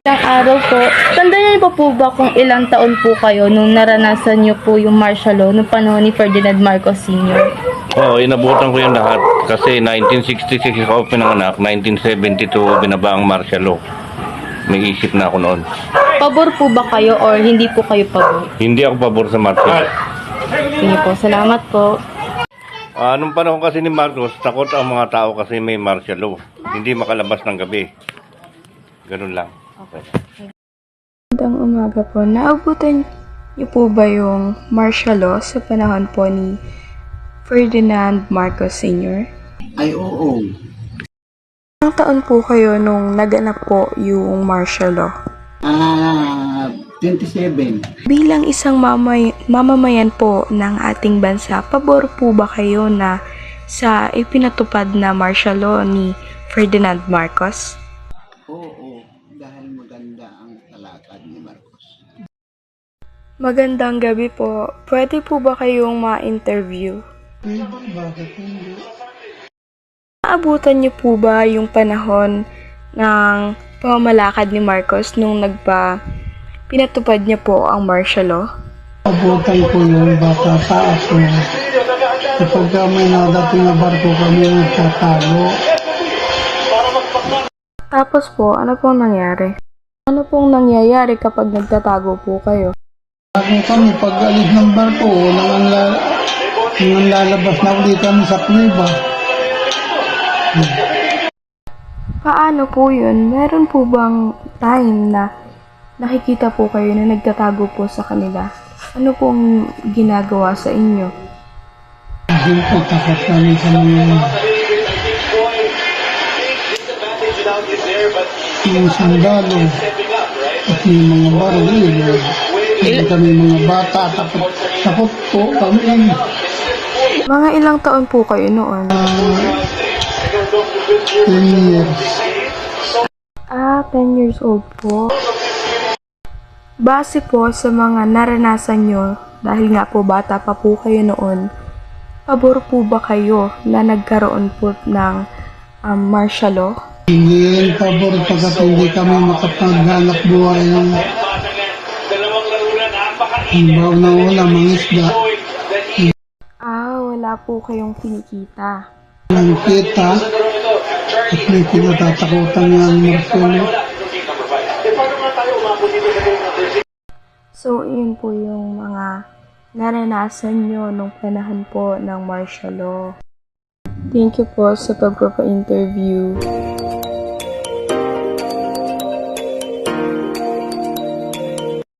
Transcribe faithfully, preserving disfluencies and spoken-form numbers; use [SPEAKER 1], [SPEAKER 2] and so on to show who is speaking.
[SPEAKER 1] Isang araw po, tandaan niyo pa po ba kung ilang taon po kayo nung naranasan niyo po yung martial law nung panahon ni Ferdinand Marcos Senior?
[SPEAKER 2] Oo, inabutan ko yung lahat kasi nineteen sixty-six ako pinanganak, nineteen seventy-two binaba ang martial law. May isip na ako noon.
[SPEAKER 1] Pabor po ba kayo or hindi po kayo pabor?
[SPEAKER 2] Hindi ako pabor sa martial law.
[SPEAKER 1] Sige po, salamat po.
[SPEAKER 2] Ah, nung panahon kasi ni Marcos, takot ang mga tao kasi may martial law. Hindi makalabas ng gabi. Ganun lang. Okay.
[SPEAKER 1] Magandang umaga po. Naabutan niyo po ba yung martial law sa panahon po ni Ferdinand Marcos Senior?
[SPEAKER 3] Ay, oo.
[SPEAKER 1] Ilang taon po kayo nung naganap po yung martial law?
[SPEAKER 3] Ah, twenty-seven.
[SPEAKER 1] Bilang isang mamay, mamamayan po ng ating bansa, pabor po ba kayo na sa ipinatupad na martial law ni Ferdinand Marcos?
[SPEAKER 3] Oo, dahil maganda ang talakad ni Marcos.
[SPEAKER 1] Magandang gabi po. Pwede po ba kayong ma-interview?
[SPEAKER 3] Pwede, bakit hindi?
[SPEAKER 1] Naabutan niyo po ba yung panahon ng pamamalakad ni Marcos nung nagpa pinatupad niya po ang martial law?
[SPEAKER 3] Abutan ko yun, bata pa ako. Kapag may nadating na barko kami nagtatago.
[SPEAKER 1] Tapos po, ano pong nangyari? Ano pong nangyayari kapag nagtatago po kayo?
[SPEAKER 3] Ako kami, pag alis ng barko, nang ang, la- nang ang lalabas na ulit kami sa kuliba.
[SPEAKER 1] Paano po yun? Meron po bang time na nakikita po kayo na nagtatago po sa kanila? Ano pong ginagawa sa inyo?
[SPEAKER 3] Siyempre, takot kami sa mga mga sandalo at yung mga baril. Hindi kami mga bata, takot, takot po kami.
[SPEAKER 1] Mga ilang taon po kayo noon?
[SPEAKER 3] ten years.
[SPEAKER 1] Ah, ten years old po. Base po sa mga naranasan nyo, dahil nga po bata pa po kayo noon, pabor po ba kayo na nagkaroon po ng um, martial law?
[SPEAKER 3] Hindi yung pabor pagkat hindi kami makapaghanap buhay ng baw na ulam, mga isda.
[SPEAKER 1] Ah, wala po kayong kinikita.
[SPEAKER 3] Ang kita at may kinatatakutan nga ang Marcelo.
[SPEAKER 1] So, yun po yung mga naranasan nyo nung panahon po ng martial law. Thank you po sa pagpapa-interview.